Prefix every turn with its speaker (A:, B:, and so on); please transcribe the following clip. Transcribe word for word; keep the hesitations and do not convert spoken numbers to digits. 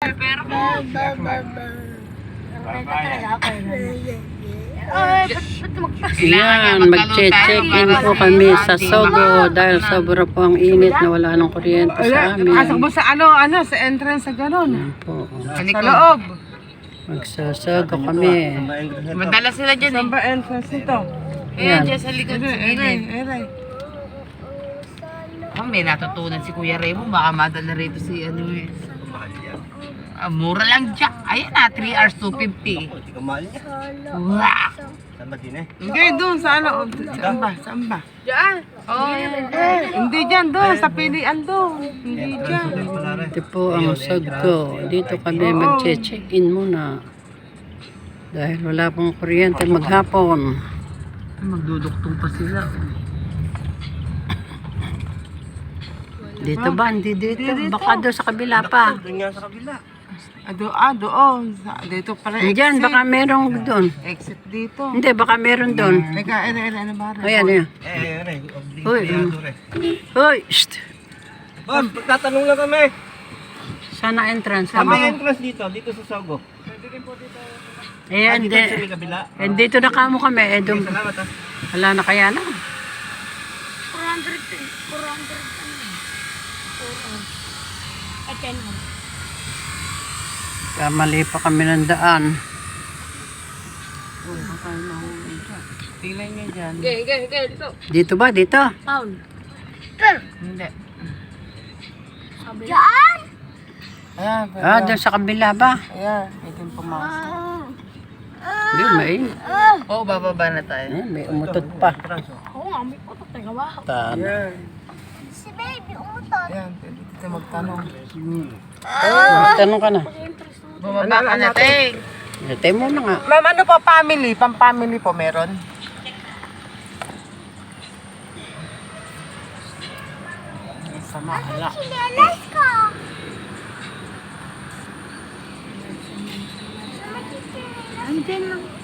A: Pero
B: Yan, magche-check-in po kami sa Sogo dahil sobra po ang init na wala nang kuryente sa amin.
C: Pasok mo sa ano, ano, sa entrance sa gano'n.
B: Yan po.
C: Sa loob.
B: Magsasogo kami.
A: madala sila dyan
C: Saan
A: eh.
C: ba entrance nito?
A: Ayan, dyan sa likod sa
C: Eray,
A: gilid.
C: eray.
A: Oh, may natutunan si Kuya Remo. Baka madala rito si ano eh. Ah, mura lang Jack. Ayan na, three hours two fifty. Wow!
C: Hindi, doon sa ano, saan ba, saan ba?
A: Oh,
C: Hindi dyan, doon, sa pilian doon. Hindi dyan.
B: Ito po ang Sogo. Dito kami magche-check-in muna. Dahil wala pong kuryente maghapon.
A: magduduktong pa sila.
B: Dito ba? Hindi dito. Baka doon sa kabila pa.
C: Ah, do, ah, doon. Sa- Dito pala
B: Diyan, baka merong doon.
C: exit dito.
B: Hindi, baka meron doon.
C: Teka, eray, eray, ano ba?
B: Ayan, ayan. Hoy, hoy, shht.
D: Ma'am, tatanong lang kami.
B: Sana entrance.
D: Kami
B: Sama.
D: entrance dito, dito sa Sogo.
B: Ayan,
D: Dito
B: di.
D: sa may kabila.
B: Eh, dito na kamo kami. Eh, doon.
D: Salamat ha.
B: Wala na kaya na. Kamali pa kami ng daan.
C: Tingnan nyo dyan.
B: Dito ba? Dito?
A: Hindi.
C: Ayan,
B: Ah, doon sa kabila ba?
C: ayan. Ito yung pumasok.
B: Hindi, may.
A: Oo, bababa na tayo.
B: Eh, may umutot pa. Tan.
C: Ayan. Ayan, pwede dito magtanong.
B: Tanong ka na.
A: Bumaba ka na, Teng.
B: Tayo muna nga.
C: Ma'am, ano po family? Pang-family po meron? Sama, ala.
E: Andyan lang